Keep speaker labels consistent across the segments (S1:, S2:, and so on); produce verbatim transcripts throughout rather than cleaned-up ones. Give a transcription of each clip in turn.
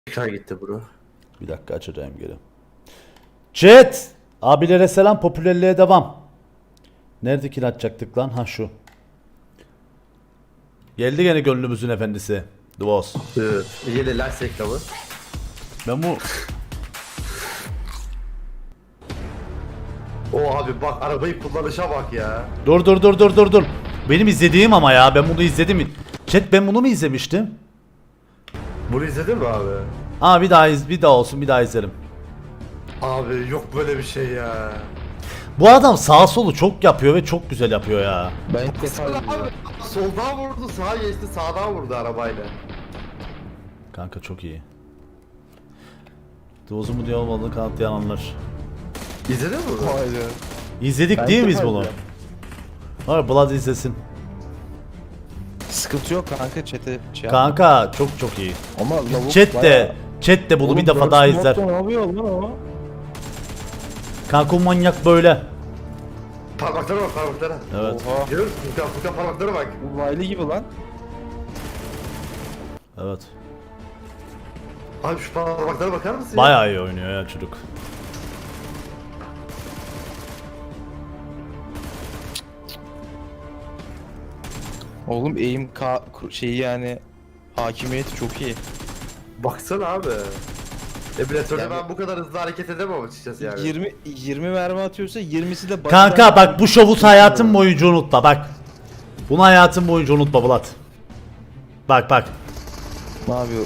S1: Tekrar gitti bro.
S2: Bir dakika açacağım geri. Chat! Abilere selam, popülerliğe devam. Nerede kill atacaktık lan? Ha şu. Geldi gene gönlümüzün efendisi. The Boss.
S1: Evet. Yine lens reklamı.
S2: Ben bu...
S1: O abi bak arabayı kullanışa bak ya.
S2: Dur dur dur dur dur dur. Benim izlediğim ama ya. Ben bunu izledim. Chat ben bunu mu izlemiştim?
S1: Bunu izledin mi abi?
S2: Aa bir daha iz bir daha olsun bir daha izlerim.
S1: Abi yok böyle bir şey ya.
S2: Bu adam sağ solu çok yapıyor ve çok güzel yapıyor ya.
S3: Ben ilk defa
S1: Abi,
S3: izliyorum.
S1: soldan vurdu, sağa geçti, sağdan vurdu arabayla.
S2: Kanka çok iyi. Dozu mu diye olmadığını kanıtlayan anlar.
S1: İzledin mi bunu?
S3: Hayır.
S2: İzledik
S3: Ben
S2: değil
S3: ilk
S2: miyiz
S3: defa
S2: bunu?
S3: izliyorum.
S2: Hayır Blood izlesin.
S3: Sıkıntı yok kanka chat'e şey yapma.
S2: Kanka çok çok iyi.
S3: Ama lavuk
S2: Chat de,
S3: bayağı-
S2: chat de bunu
S3: Oğlum,
S2: bir defa
S3: Dark
S2: daha
S3: Smoke'da
S2: izler.
S3: Ne yapıyor lan o?
S2: Kanka o manyak böyle.
S1: Parmaklara bak parmaklara.
S2: Evet.
S3: Oha.
S1: Görüyor musun? Furkan, Furkan parmaklara bak.
S3: Uzaylı gibi lan.
S2: Evet.
S1: Abi şu parmaklara bakar mısın ya?
S2: Bayağı iyi oynuyor ya çocuk.
S3: Oğlum aim ka şeyi yani hakimiyeti çok iyi.
S1: Baksana abi. Emülatörde
S3: Yani-
S1: ben bu kadar hızlı hareket edemem açıkçası yani.
S3: yirmi yirmi mermi atıyorsa yirmisi de
S2: Kanka bak bu şovu hayatın boyunca unutma bak. Bunu hayatın boyunca unutma Bulat. Bak bak.
S3: Ne yapıyor?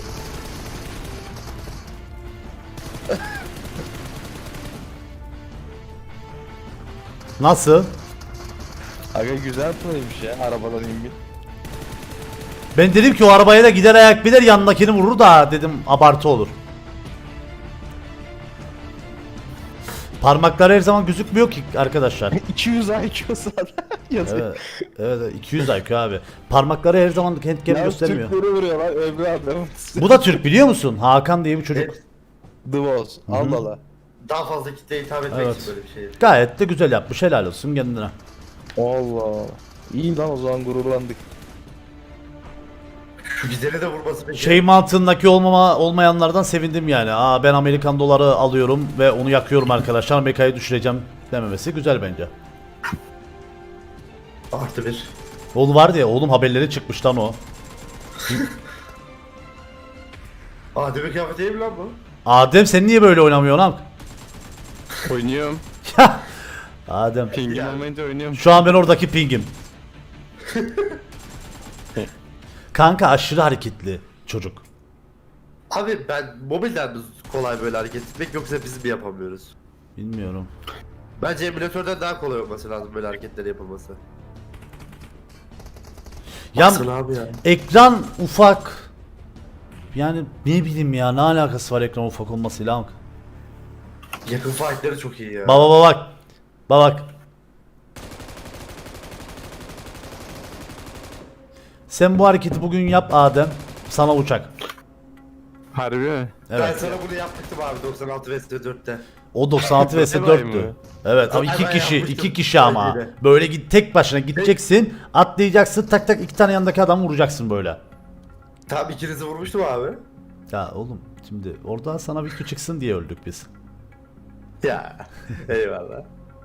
S2: Nasıl?
S3: Aga güzel playmiş ya arabadan inbil.
S2: Ben dedim ki o arabaya da gider ayak bilir yanındakini vurur da dedim abartı olur. Parmakları her zaman gözükmüyor ki arkadaşlar.
S3: iki yüz I Q zaten yazıyor.
S2: Evet, evet iki yüz I Q abi. Parmakları her zaman handcam göstermiyor.
S3: Türkleri vuruyor lan öbür adam.
S2: Bu da Türk biliyor musun? Hakan diye bir çocuk.
S1: Evet.
S3: The Boss. Allah Allah.
S1: Daha fazla kitleye hitap etmek
S2: Evet.
S1: için böyle bir şey.
S2: Gayet de güzel yapmış. Helal olsun kendine.
S3: Allah. İyi lan o zaman gururlandık.
S1: Şu güzeli de vurması peki.
S2: Şey mantığındaki olmama olmayanlardan sevindim yani. Aa ben Amerikan doları alıyorum ve onu yakıyorum arkadaşlar. Amerika'yı düşüreceğim dememesi güzel bence.
S1: Artı bir.
S2: Oğlum vardı ya oğlum haberleri çıkmış lan o.
S1: Aa demek kıyafet değil mi lan bu?
S2: Adem sen niye böyle oynamıyorsun lan?
S4: Oynuyorum.
S2: Adem.
S4: Pingin
S1: Yani.
S4: olmayınca oynuyorum.
S2: Şu an ben oradaki pingim. Kanka aşırı hareketli çocuk.
S1: Abi ben mobilden mi kolay böyle hareket etmek yoksa biz mi yapamıyoruz?
S2: Bilmiyorum.
S1: Bence emülatörden daha kolay olması lazım böyle hareketleri yapılması.
S2: Ya
S1: Baksana abi ya.
S2: ekran ufak. Yani ne bileyim ya ne alakası var ekran ufak olmasıyla?
S1: Yakın fightları çok iyi ya.
S2: Baba baba bak. Baba bak. Sen bu hareketi bugün yap Adem. Sana uçak.
S4: Harbi mi?
S1: Ben
S2: Evet.
S1: sana bunu yapmıştım abi doksan altı vs dörtte.
S2: O doksan altı vs
S4: Vay
S2: dörttü.
S4: mı?
S2: Evet ama
S1: Ay,
S2: iki
S1: ben
S2: kişi,
S1: yapmıştım.
S2: iki kişi ama.
S1: Öyle.
S2: Böyle git tek başına gideceksin, atlayacaksın, tak tak iki tane yanındaki adam vuracaksın böyle.
S1: Tamam ikinizi vurmuştum abi.
S2: Ya oğlum şimdi orada sana video çıksın diye öldük biz.
S1: Ya eyvallah.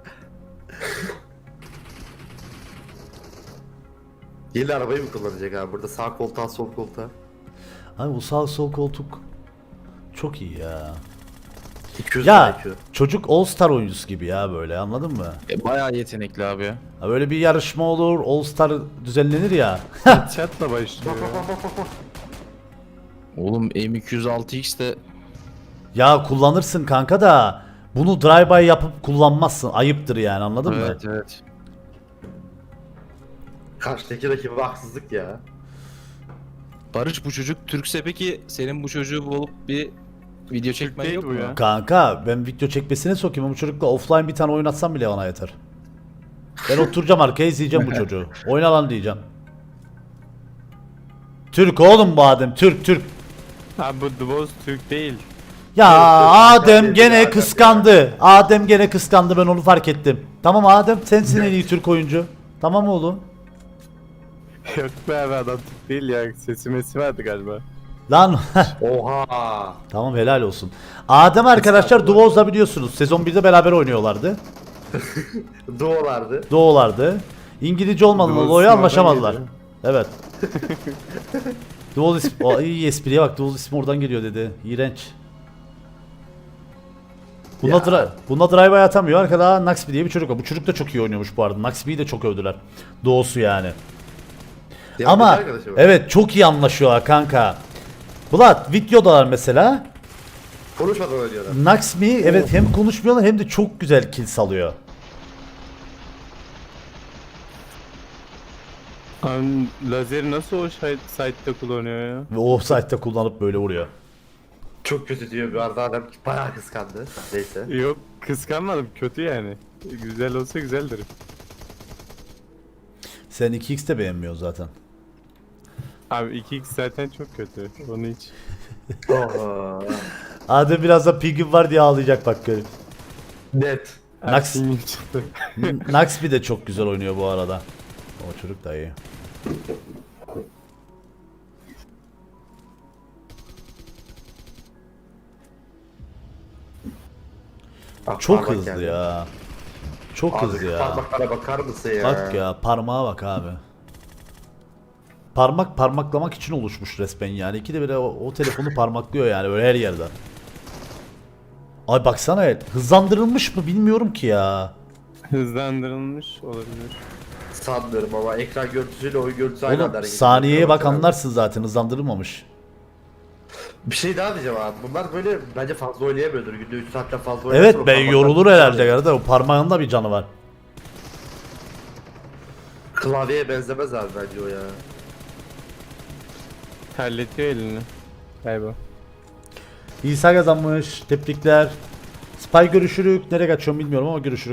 S1: Yeni arabayı mı kullanacak abi burada sağ koltuğa sol koltuğa?
S2: Abi bu sağ sol koltuk çok iyi ya.
S1: iki yüz
S2: Ya
S1: I Q.
S2: çocuk All Star oyuncusu gibi ya böyle anladın mı?
S3: E, bayağı yetenekli abi ya.
S2: Ha, böyle bir yarışma olur, All Star düzenlenir ya.
S4: Chat'la başlıyor.
S1: Bak bak bak bak bak.
S3: Oğlum M iki yüz altı X de
S2: Ya kullanırsın kanka da bunu drive-by yapıp kullanmazsın. Ayıptır yani anladın mı?
S3: evet evet.
S1: Karşıdaki rakibe haksızlık ya.
S3: Barış bu çocuk Türkse peki senin bu çocuğu bulup bir video çekmen
S4: değil
S3: yok
S4: bu
S3: mu?
S4: ya.
S2: Kanka ben video çekmesine sokayım ama bu çocukla offline bir tane oynatsam bile bana yeter. Ben oturacağım arkaya izleyeceğim bu çocuğu. Oyna lan diyeceğim. Türk oğlum bu Adem Türk Türk.
S4: Ha bu The Boss Türk değil.
S2: Ya
S1: Türk, Türk,
S2: Adem
S1: Türk,
S2: gene
S1: Türk,
S2: kıskandı. Adem gene kıskandı ben onu fark ettim. Tamam Adem sensin en iyi Türk oyuncu. Tamam oğlum.
S4: Yok be abi adam Türk değil ya. Sesi mesi vardı galiba.
S2: Lan
S1: Oha.
S2: tamam helal olsun. Adem arkadaşlar Duoz'da biliyorsunuz. Sezon birde beraber oynuyorlardı.
S1: Doğulardı.
S2: Doğulardı. İngilizce olmadan
S4: Duoz
S2: dolayı
S4: oradan
S2: anlaşamadılar.
S4: geliyor.
S2: Evet. Duoz ismi, o iyi espriye bak, Duoz ismi oradan geliyor dedi. İğrenç. Bunda,
S1: Ya.
S2: dra bunda drive'a atamıyor. Arkada Naxby diye bir çocuk var. Bu çocuk da çok iyi oynuyormuş bu arada. Naxby'yi de çok övdüler. Doğusu yani.
S1: Ya,
S2: Ama
S1: bir arkadaşım var.
S2: evet çok iyi anlaşıyorlar kanka. Bulat videodalar mesela.
S1: Konuşmadan oynuyorlar.
S2: Naxby evet hem konuşmuyorlar hem de çok güzel kill salıyor.
S4: Abi lazeri nasıl o şi- site'de kullanıyor ya?
S2: Ve o site'de kullanıp böyle vuruyor.
S1: Çok kötü diyor bir arada adam bayağı kıskandı. Neyse.
S4: Yok kıskanmadım, kötü yani. Güzel olsa güzeldir.
S2: Sen iki x de beğenmiyorsun zaten.
S4: Abi iki x zaten çok kötü. Onu hiç.
S1: Oha.
S2: Adem birazdan pingin var diye ağlayacak bak görün.
S1: Net.
S2: Nax-
S4: Ersin çıktı.
S2: Naxby de çok güzel oynuyor bu arada. O çocuk da iyi.
S1: Bak,
S2: Çok
S1: parmak
S2: hızlı
S1: geldi.
S2: ya. Çok
S1: Abi,
S2: hızlı ya.
S1: Parmaklara bakar mısın ya?
S2: Bak ya parmağa bak abi. Parmak parmaklamak için oluşmuş resmen yani. İkide bir de o, o telefonu parmaklıyor yani böyle her yerden. Ay baksana el. Hızlandırılmış mı bilmiyorum ki ya.
S4: Hızlandırılmış olabilir.
S1: Sanmıyorum ama ekran görüntüsüyle oyun görüntüsü aynı anda
S2: Oğlum
S1: hareket ediyor.
S2: saniyeye bak
S1: Baksana.
S2: anlarsın zaten hızlandırılmamış.
S1: Bir şey daha diyeceğim abi. Bunlar böyle bence fazla oynayamıyordur. Günde üç saatten fazla oynasın.
S2: Evet
S1: o
S2: ben
S1: parmaklar-
S2: yorulur herhalde kardeşim. O parmağında bir canı var.
S1: Klavyeye benzemez abi bence o ya.
S4: Terletiyor elini. Galiba.
S2: İsa kazanmış. Tebrikler. Spy görüşürük. Nereye kaçıyorum bilmiyorum ama görüşürük.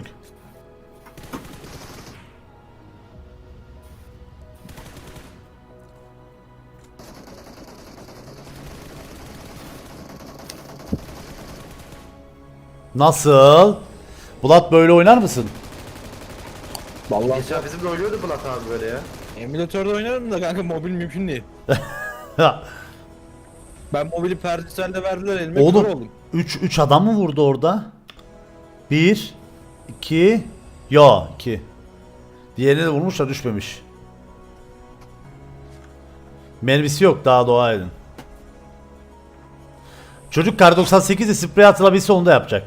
S2: Nasıl? Bulat böyle oynar mısın?
S3: Vallahi
S1: Geçen bizimle oynuyordu Bulat abi böyle ya.
S3: emülatörde oynarım da kanka mobil mümkün değil. Ben mobili Perdüsel'de verdiler elime kör
S2: Oğlum
S3: oldum.
S2: üç üç adam mı vurdu orada? bir iki yo iki. Diğerini de vurmuş da düşmemiş. Mermisi yok daha dua edin. Çocuk kar doksan sekizde sprey atılabilse onu da yapacak.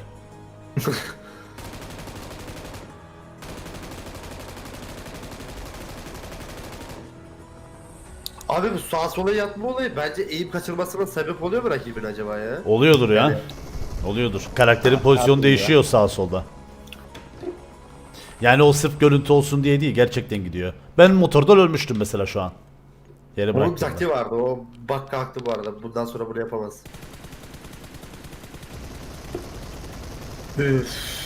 S1: Abi bu sağa sola yatma olayı bence eğim kaçırmasına sebep oluyor mu rakibin acaba ya?
S2: Oluyordur ya. Oluyordur. Karakterin pozisyonu değişiyor sağa solda. Yani o sırf görüntü olsun diye değil gerçekten gidiyor. Ben motordan ölmüştüm mesela şu an. Yere
S1: Onun
S2: bıraktım.
S1: taktiği vardı o bak kalktı bu arada. Bundan sonra bunu yapamaz. Üf.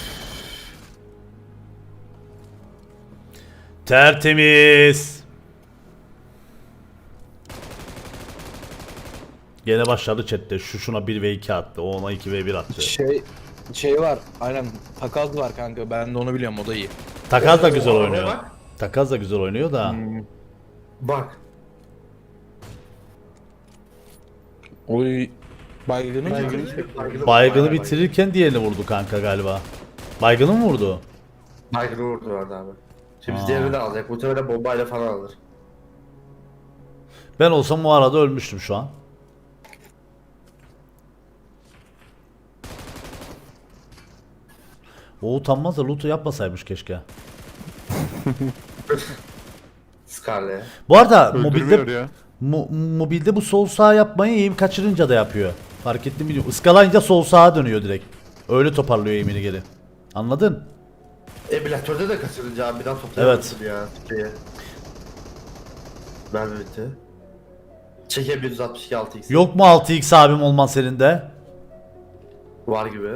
S2: Tertemiz. Gene başladı chatte. Şu şuna bir ve iki attı. O ona iki ve bir attı.
S3: Şey şey var aynen takas var kanka ben de onu biliyorum o da iyi.
S2: Takaz da güzel
S1: Oo,
S2: oynuyor.
S1: bak.
S2: Takaz da güzel oynuyor da.
S1: Bak.
S3: Oy baygını mı?
S1: Baygını, baygını,
S2: Baygını
S1: bayağı
S2: bitirirken diğerini vurdu kanka galiba. Baygını mı vurdu?
S1: Baygını vurdu orada abi. Şimdi
S2: Aa.
S1: biz diğerini de alacak. Muhtemelen bombayla falan alır.
S2: Ben olsam o arada ölmüştüm şu an. O utanmaz da loot'u yapmasaymış keşke.
S1: Scarlet.
S2: Bu arada
S4: Öldürmüyor
S2: mobilde
S4: ya.
S2: mo- mobilde bu sol sağ yapmayı eğim kaçırınca da yapıyor. Fark ettim bilmiyorum. Iskalayınca sol sağa dönüyor direkt. Öyle toparlıyor eğimini geri. Anladın?
S1: Emülatörde de kaçırınca abi bir daha toplayamazsın ya. Şeye. Mermi bitti. Çekem bir yüz altmış iki altı x.
S2: Yok mu altı x abim olman senin de?
S1: Var gibi.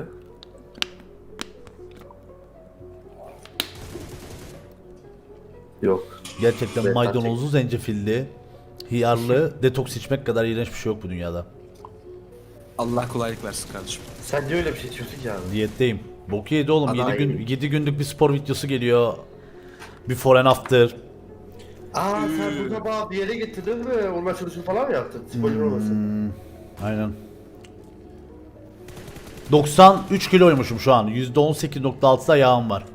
S1: Yok.
S2: Gerçekten
S1: Evet,
S2: maydanozlu, zencefilli, hiyarlı, detoks içmek kadar iğrenç bir şey yok bu dünyada.
S3: Allah kolaylık versin kardeşim.
S1: Sen niye öyle bir şey içiyorsun ki abi?
S2: Diyetteyim. Boku yedi oğlum.
S1: Ana
S2: yedi gün
S1: iyi.
S2: yedi günlük bir spor videosu geliyor. Before and after.
S1: Aa sen burada bana bir yere getirdin mi? Onun açılışını falan mı yaptın? Spoiler olmasın.
S2: Hmm, Aynen. doksan üç kiloymuşum şu an. yüzde on sekiz nokta altıda yağım var.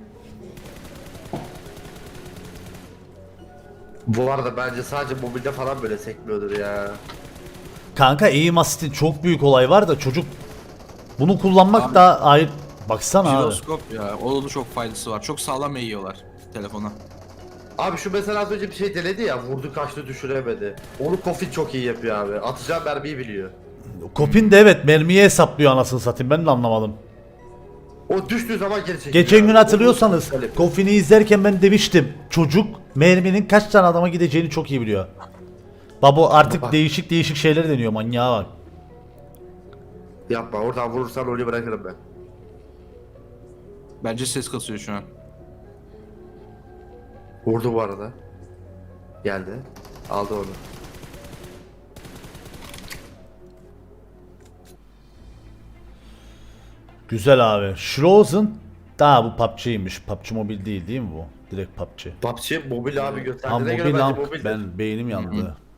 S1: Bu arada bence sadece mobilde falan böyle sekmiyordur ya.
S2: Kanka aim assist'in çok büyük olay var da çocuk bunu kullanmak
S5: Abi-
S2: da ayrı. Baksana abi.
S5: Jiroskop ya. O da çok faydası var. Çok sağlam eğiyorlar telefona.
S1: Abi şu mesela az önce bir şey denedi ya, vurdu kaçtı düşüremedi. Onu Kofit çok iyi yapıyor abi. Atacağı mermiyi biliyor.
S2: Kopin de evet mermiyi hesaplıyor anasını satayım, ben de anlamadım.
S1: O düştüğü zaman geri çekiyor.
S2: Geçen gün
S1: abi.
S2: hatırlıyorsanız
S1: O- o-
S2: Kofin'i izlerken ben demiştim. Çocuk merminin kaç tane adama gideceğini çok iyi biliyor. Babo artık
S1: Baba.
S2: değişik değişik şeyler deniyor, manyağa bak.
S1: Yapma, oradan vurursan onu bırakırım ben.
S5: Bence ses kasıyor şu an.
S1: Vurdu bu arada. Geldi. Aldı onu.
S2: Güzel abi. Schrozen daha bu P U B G'ymiş. P U B G Mobile değil değil mi bu? Direkt P U B G.
S1: P U B G mobil abi
S2: Ha
S1: gösterdiğine göre
S2: mobil
S1: bence
S2: lan.
S1: mobil.
S2: Ben beynim yandı.